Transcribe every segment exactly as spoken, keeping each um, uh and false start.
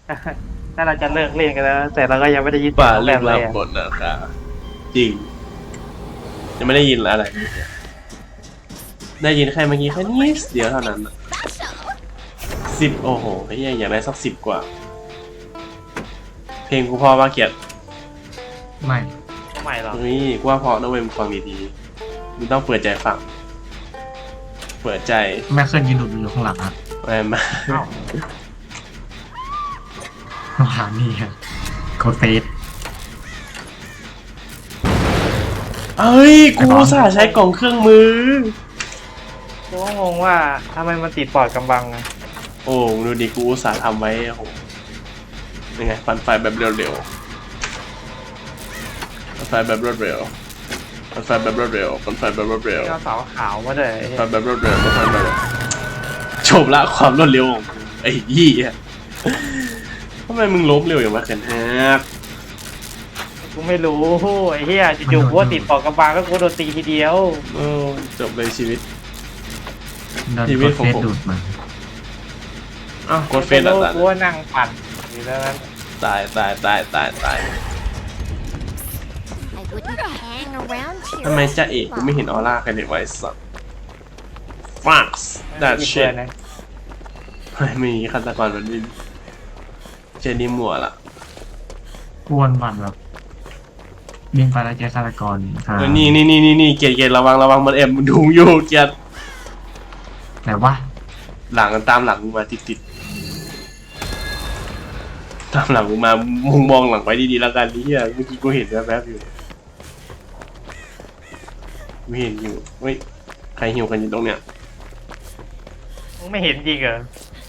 ถ้าเราจะเลิกเล่นกันแล้วแต่เราก็ยังไม่ได้ยินป่าแบเรื่องบเลรัยบบทนะครับจริงยังไม่ได้ยินอะไรได้ยินแค่เมื่อกี้แค่นิดเดียวเท่านั้นสิบโอ้โหไอ้ยังอยากได้สักสิบกว่าเพลงกูพอว่าเกียรติไม่ใหม่หรอนี่กูว่าพอต้องเป็นฟังดีๆมึงต้องเปิดใจฟังเปิดใจแม่เคยยืนดูอยู่ข้างหลังอ่ะไม่มาหานี่ฮะโคเฟสเอ้ยกูอุตส่าห์ใช้กล่องเครื่องมือกูก็งงว่าทำไมมันติดปอดกำบังอะโอ้ดูดิกูอุตส่าห์ทำไว้โอ้โหยังไงปั่นไฟแบบเร็วๆปั่นไฟแบบรวดเร็วปั่นไฟแบบรวดเร็วปั่นไฟแบบรวดเร็วที่เอาเสาขาวมาเลยปั่นแบบรวดเร็วปั่นไฟแบบรวดเร็วจบละความรวดเร็วของกูไอ้ยี่อะทำไมมึงล้มเร็วอย่างวะเขินฮักกูไม่รู้ไอ้เหี้ยจู่ๆกูว่าติดปอดกำบังก็กูโดนตีทีเดียวโอ้จบเลยชีวิตโดนชีโควิตขเฟองสผมดูดมาอ้าวกดเฟซแล้วตายกูว่านั่งปั่นอยู่แล้วนั้นตายตายตายตายตาย I wouldn't hang around here. ทำไมจ้าเอกกูไม่เห็นออร่ากันเลยไว้สัตว์ฟักส์ดัดอีกเชเพื่อดนนะไม่มีฆาตกรมันไม่เจนี่มัวละกวนวันแบบวิ่งไปแล้วเจอฆาตกรหาแล้วนี่นี่นี่นี่นี่เกียร์เกียร์ระวังระวังมันแอบมันดูอยู่เกียร์แต่ว่าหลังตามหลังมึงมาติดติดตามหลังมึงมามุงมองหลังไว้ดีๆแล้วกันนี่เมื่อกี้กูเห็นแวบๆอยู่ไม่เห็นอยู่เฮ้ยใครหิวกันอยู่ตรงเนี้ยมึงไม่เห็นจริงเหรอ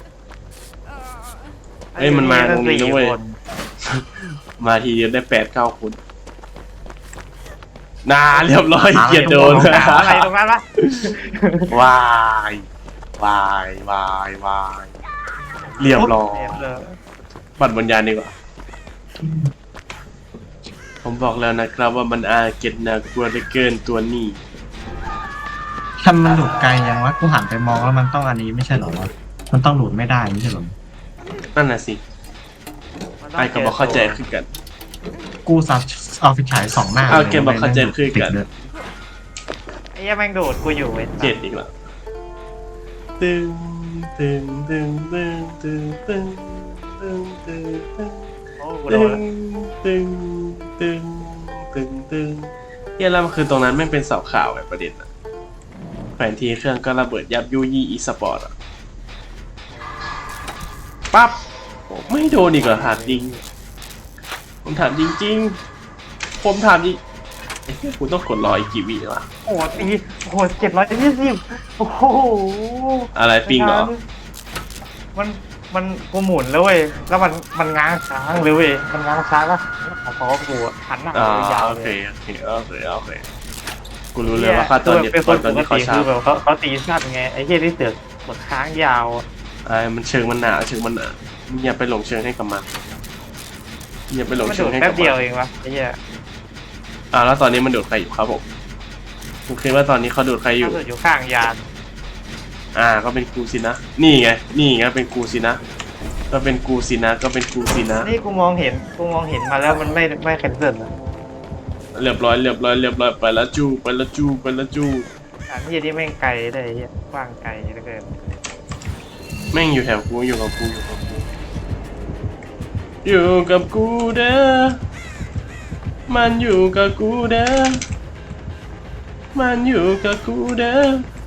เอ้ยมันมาตรงนี้นะเว้ยสี่คนมาทีเดียวได้แปดเก้าคนนาเรียบร้อยเกียร์โดนอะไรตรงนั้นวะวายวายวายวายเรียบร้อยเรียบร้อยปัดวิญญาณดีกว่าผมบอกแล้วนะครับว่ามันอาเก็ตน่ากลัวเหลือเกินตัวนี้ทำมันหลุดไกลยังวะกูหันไปมองแล้วมันต้องอันนี้ไม่ใช่เหรอวะมันต้องหลุดไม่ได้ไม่ใช่เหรอนั่นน่ะสิไอ้ก็บอกเข้าใจคือกันกูสับเอาไฟฉายสองหน้าเอาเกมบอกเข้าใจคือกันไอ้เหี้ยแม่งโดดกูอยู่เว้ยเจ็ดอีกแล้วตึงตึงตึงตึงตึงตึงตึงตึงตึงโอ้กูโดตึนงตึงตึงตึงตึงเฮียแล้วมันคือตรงนั้นแม่งเป็นเสาข่าวแบบประเด็นอะแผนที่เครื่องก็ระเบิดยับยุยี่อีสปอร์ตอะปั๊บโอ้ไม่โดนอีกเหรอถามจริงผมถามจริงๆผมถามจริงไอ้เหี้ยกูต้องกดรออีกกี่วิวะโอ้โหตีโอ้โหเจ็ดร้อยยี่สิบโอ้โหอะไรปิงเหรอมันมันกูหมุนแล้วเว้ยแล้วมันมันง้างค้างเลยเว้ยมันง้างค้างแล้วขอขอกูอะหันหน้าอ่าไปยาวโอเลเคยโอเคโอเคโอเคกูรู้เลยว่าค่าตอนเด็กเป็นคตอน นตปอนกนี้เขาติชาคืร์อแบบเขาเขาตีสั้นไงไอ้เหี้ยที่เสือกกดค้างยาวอะไอ้มันเชิงมันหนาเชิงมันหนามึงอย่าไปหลงเชิงให้กับมันอย่าไปหลงมันเชิโดงดให้แป๊กับบ เดียวมันเองวะไอ้เหี้ยอ่าแล้วตอนนี้มันดูดใครอยู่ครับผมผมคิดว่าตอนนี้เขาดูดใครอยู่ถ้าเกิดอยู่ข้างยานอ่าก็เป็นกูสินะ นี่ไงนี่ไงเป็นกูสินะ ก็เป็นกูสินะก็เป็นกูสินะนี่กูมองเห็นกูมองเห็นมาแล้วมันไม่ไม่แคนเซิลอะเรียบร้อยเรียบร้อยเรียบร้อยไปแล้วจูไปแล้วจูไปแล้วจูอันที่นี่แม่งไกลเลยไอ้เหี้ยกว้างไกลเหลือเกินแม่งอยู่แถวกูอยู่กับกูอยู่กับกูอยู่กับกูเด้อมันอยู่กับกูเด้อมันอยู่กับกูเด้อ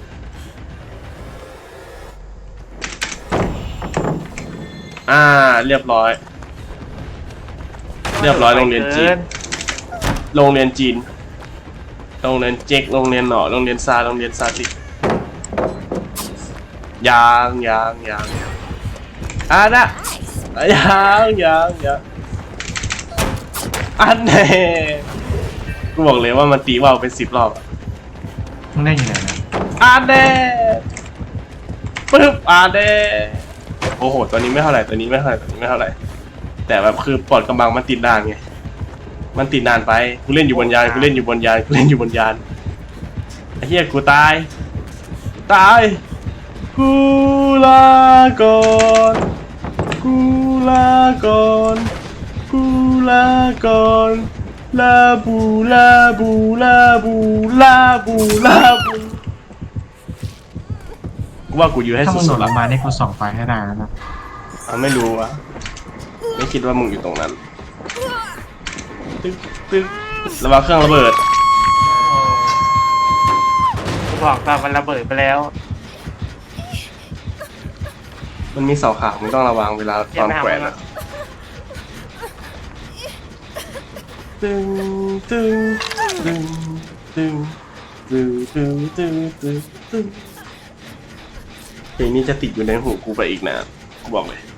อ่าเรียบร้อย เรียบร้อยโรงเรียนจีน โรงเรียนจีนโรงเรียนเจ๊กโรงเรียนหน่อโรงเรียนซาโรงเรียนซาติยางยางยางยางอ่ะนะยางยางยางอันเน่กูบอกเลยว่ามันตีว่าวเป็นสิบรอบอะมึงได้ยังไงนะอันเน่ปึ๊บอันเน่โอ้โหตัวนี้ไม่เท่าไหร่ตัวนี้ไม่เท่าไหร่ตัวนี้ไม่เท่าไหร่แต่แบบคือปอดกำบังมันติดด่านไงมันติดนานไปกูเล่นอยู่บนยานกูเล่นอยู่บนยานกูเล่นอยู่บนยานไอ้เหี้ยกูตายตายกูลาก่อนกูลลาก่อนกูลาก่อนลาบูลาบูลาบูลาบูลาบูกูว่ากูอยู่ให้ถ้ามึงสุโดดดๆลละงมานี่กูส่องไฟให้ได้แล้วนะอ่ะไม่รู้วะไม่คิดว่ามึงอยู่ตรงนั้นตึ๊กตึ๊กระวังเครื่องระเบิดกูบอกตอนมันระเบิดไปแล้วมันมีเสาขาวมึงต้องระวังเวลาตอนแขวนอะตึงตึงตึงตึงตึงตึงตึงตึงตึงเพลงนี้จะติดอยู่ในหูกูไปอีกนะกูบอกเลย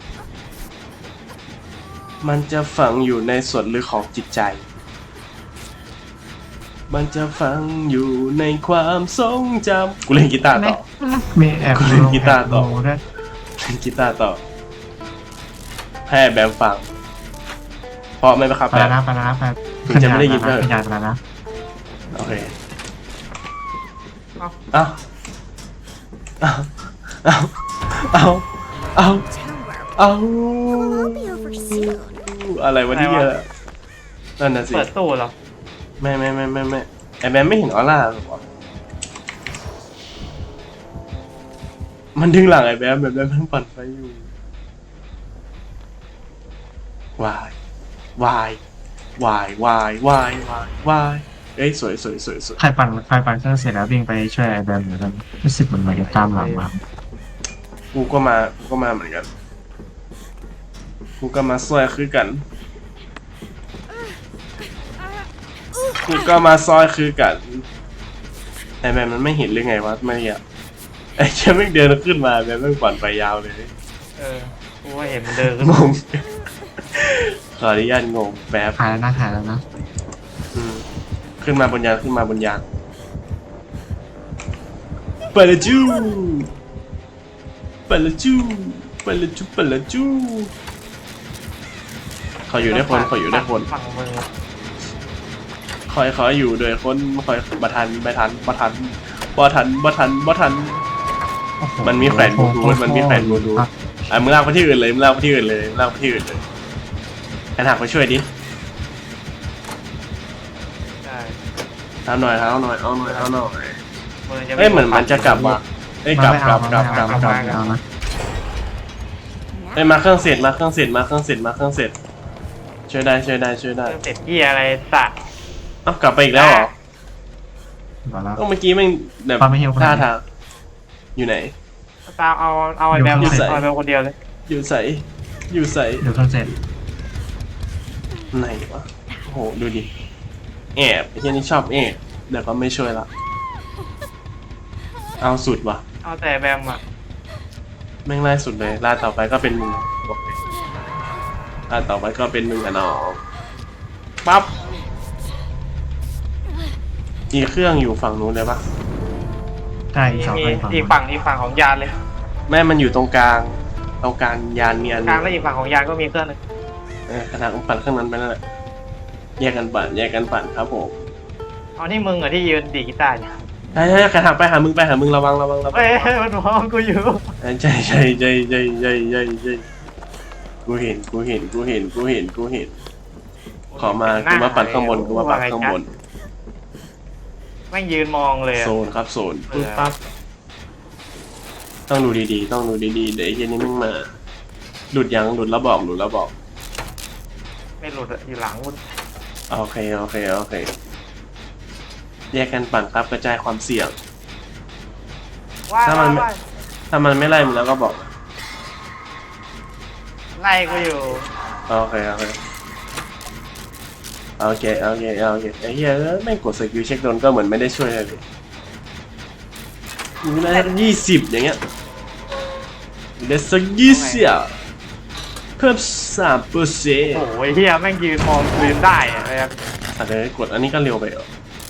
มันจะฝังอยู่ในส่วนลึกของจิตใจมันจะฝังอยู่ในความทรงจำกูเล่นกีตาร์ต่อมีแอบกูเล่นกีตาร์ต่อแบดูด้วยเล่นกีตาร์ต่อให้แบมฟังเพราะไม่ไปครับไปแบแล้วมนะไปแล้วนะไปถึงจะไม่ได้ยินขึ้เท่าไหร่นยานไปแล้วนะโอเคเอ้าเอาเอาเอาเอาเอา Tower เอา will all be over soon. อะไรวะเนี่ยนั่นน่ะสิเปิดตู้เหรอไม่ไม่ไม่ไม่ไม่ไอแบมไม่เห็นออร่าหรอวะมันดึงหลังไอแบมแบบแบมมันปั่นไฟอยู่วายวายวายวายวายวายวายเอ้ยสวยสวยสวยสวยใครปั่นใครปั่นเครื่องเสร็จแล้ววิ่งไปช่วยไอ้แบมเหมือนกันรู้สึกเหมือนมันจะตามหลังมากูก็มากูก็มาเหมือนกันกูก็มาซอยคือกันกูก็มาซอยคือกันไอแบมมันไม่เห็นหรือไงวะไม่อะไอ้แค่ไม่งเดินขึ้นมาแบมไม่งปั่นไปยาวเลยเออกูว่าเห็นมันเดินขึ้นงมางขออนุญาตงงแป๊บหายแล้วนะหายแล้วนะอืมขึ้นมาบนยานขึ้นมาบนยานไปละจูไปละจูไปละจูไปละจูขออยู่ด้วยคนขออยู่ด้วยคนฝั่งมึงคอยขออยู่ด้วยคนคอยบัทันบัทันบัทันบัทันบัทันบัทันโอ้โหมันมีแขวนบลูทูธมันมีแขวนบลูทูธ อ่ะมึงลากไปที่อื่นเลยมึงลากไปที่อื่นเลยมึงลากไปที่อื่นเลยแอนหักไปช่วยดิใช่เอาหน่อยเอาหน่อยเอาหน่อยเอาหน่อยมือจะเอ้ยเหมือนมันจะกลับว่ะเอ้ยกลับกลับกลับกลับกลับเอานะเอ้ยมาเครื่องเสร็จมาเครื่องเสร็จมาเครื่องเสร็จมาเครื่องเสร็จช่วยได้ช่วยได้ช่วยได้เริ่มเสร็จที่อะไรสะเอ้ากลับไปอีกแล้วเหรอเอาแล้วก็เมื่อกี้แม่งแบบปาไม่เหี่ยวขนาท่าดนี้ทางอยู่ไหนตามเอาเอาไอ้แบมอยู่ใส่เอาไอ้แบมคนเดียวเลยอยู่ใสอยู่ใสเดี๋ยวเครื่องเสร็จไหนวะโอ้โหดูดิแอบไอ้ที่นี่ชอบแอบเดี๋ยวก็ไม่ช่วยละเอาสุดว่ะเอาแต่แบมอ่ะแม่งไล่สุดเลยล่าต่อไปก็เป็นมึงบอกเลยล่าต่อไปก็เป็นมึงกับน้องปั๊บอีกเครื่องอยู่ฝั่งนู้นเลยปะใช่อีกสองมีคนฝั่งอีกฝั่งอีกฝั่งของยานเลยแม่มันอยู่ตรงกลางตรงกลางยานมีอันหกนึลางงและอีกฝั่งของยานก็มีเครื่องหนึงเออขนาดปั่นเครื่องนั้นไปนั่นแหละแยกกันปั่นแยกกันปั่นครับผมเอานี่มึงเหรอที่ยืนดีดกีตาร์เนี่ยใช่ใช่ใครหักไปหามึงไปหามึงระวังระวังระวังเฮ้ยมันมองกูอยู่ใช่ใช่ใช่ใช่ใช่ใช่ใช่กูเห็นกูเห็นกูเห็นกูเห็นกูเห็นขอมากูมาปั่นข้างบนกูมาปั่นข้างบนแม่งยืนมองเลยอะโซนครับโซนปึ๊บปั๊บต้องดูดีๆต้องดูดีๆเดี๋ยวไอ้เหี้ย็นนี้มึงมาหลุดยังหลุดแล้วบอกหลุดแล้วบอกไม่หลุดอะอยู่หลังกูโอเคโอเคโอเคแยกกันปั่นครับกระจายความเสี่ยงว้ายถ้ามัว้าน ยว้ายถ้ามันไม่ไล่มึงแล้วก็บอกไล่กูอยู่โอเคโอเคโอเคโอเคโอเคไอ้เหี้ยไม่งกดสกิลเช็คโดนก็เหมือนไม่ได้ช่วยอะไรเลยมีได้สักยี่สิบอย่างเงี้ยมีได้สักยี่สิบเพิ่มสามเปอร์เซ็นต์โอ้ยเฮียแม่งยืนมองกูยืนได้อะเลยอะอ่ะเดี๋ยวกดอันนี้ก็เร็วไปเหรอ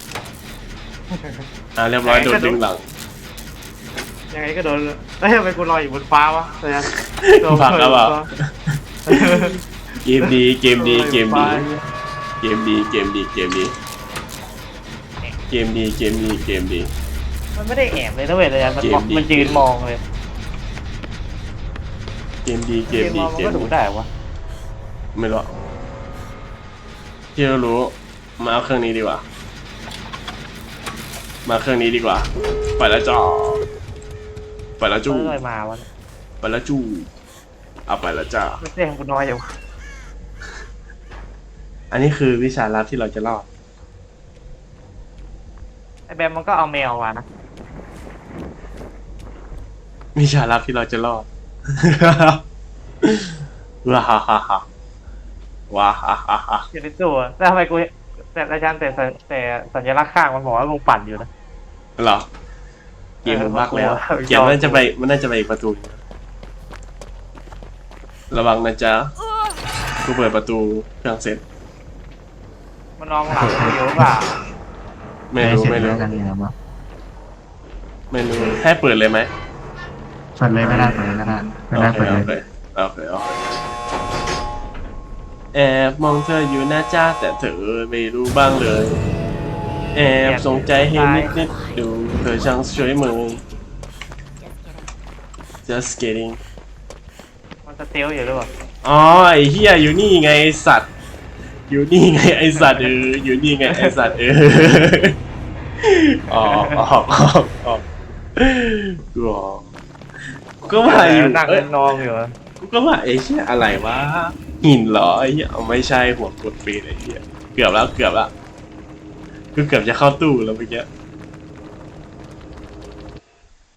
อ่ะเรียบร้อยโดนดึงหลังยังไงก็โดนเฮ้ยทำไมกูลอยอยู่บนฟ้าวะเลยอะผลักแล้วเปล่า เกมดีเกมดีเกมดีเกมดีเกมดีเกมดีเกมดีเกมดีเกมดีมันไม่ได้แอบเลยนะเว้ยเลยอะมันเกมดีมันยืนมองเลยเกมดีเกมยืนดีมองมันเกก็มดูดีได้วะไม่รู้ที่เรารู้มาเอาเครื่องนี้ดีกว่ามาเครื่องนี้ดีกว่าไปแล้วจ้าไปแล้วจู้เมื่อไรมาวะไปแล้วจู้เอาไปแล้วจ้าไม่เสียงกูน้อยอยู่อันนี้คือวิชาลับที่เราจะรอดไอแบมมันก็เอาแมวมานะวิชาลับที่เราจะรอด ว้าฮ่าฮ่าฮ่าว้าฮ่าฮ่าฮ่าอยู่ในตัวแล้วทำไมกูแต่อาจารย์แต่แต่แต่สัญลักษณ์ข้างมันบอกว่ามึงปั่นอยู่นะเหรอเกมมันบักแล้วเออเกมมันน่าจะไปมันน่าจะไปอีกประตูหนึ่งระวังนะจ๊ะกูเปิดประตูเครื่องเสร็จมันนองหลังกูอยู่หรือเปล่าไม่รู้ไม่รู้ด้เสจแล้วกันนี่นะมั้งไม่รู้ให้เปิดเลยไหมเปิดเลยไม่ได้เปิดเลยไม่ได้ไม่ได้โอเคเปิดโอเลยเคโอเคโอเคแอบมองเธออยู่นะจ๊ะแต่เธอไม่รู้บ้างเลยแอบสงใจให้นิดนิดๆดูเธอช่างสวยมือ just kidding มันสเตลอยู่หรือเปล่าอ๋อไอ้เฮียอยู่นี่ไงไอ้สัตว์ อยู่นี่ไงไอ้สัตว์เอออยู่นี่ไงไอ้สัตว์เออออกออกออกออกกูออกก็ว่าอยู่นั่งเอ้ยนองอยู่กูก็ว่าไอ้เชี่ยอะไรวะหินเหรอไอ้เหี้ยเอาไม่ใช่หัวกดปีนไอ้เหี้ยเกือบแล้วเกือบแล้วกูเกือบจะเข้าตู้แล้วเมื่อกี้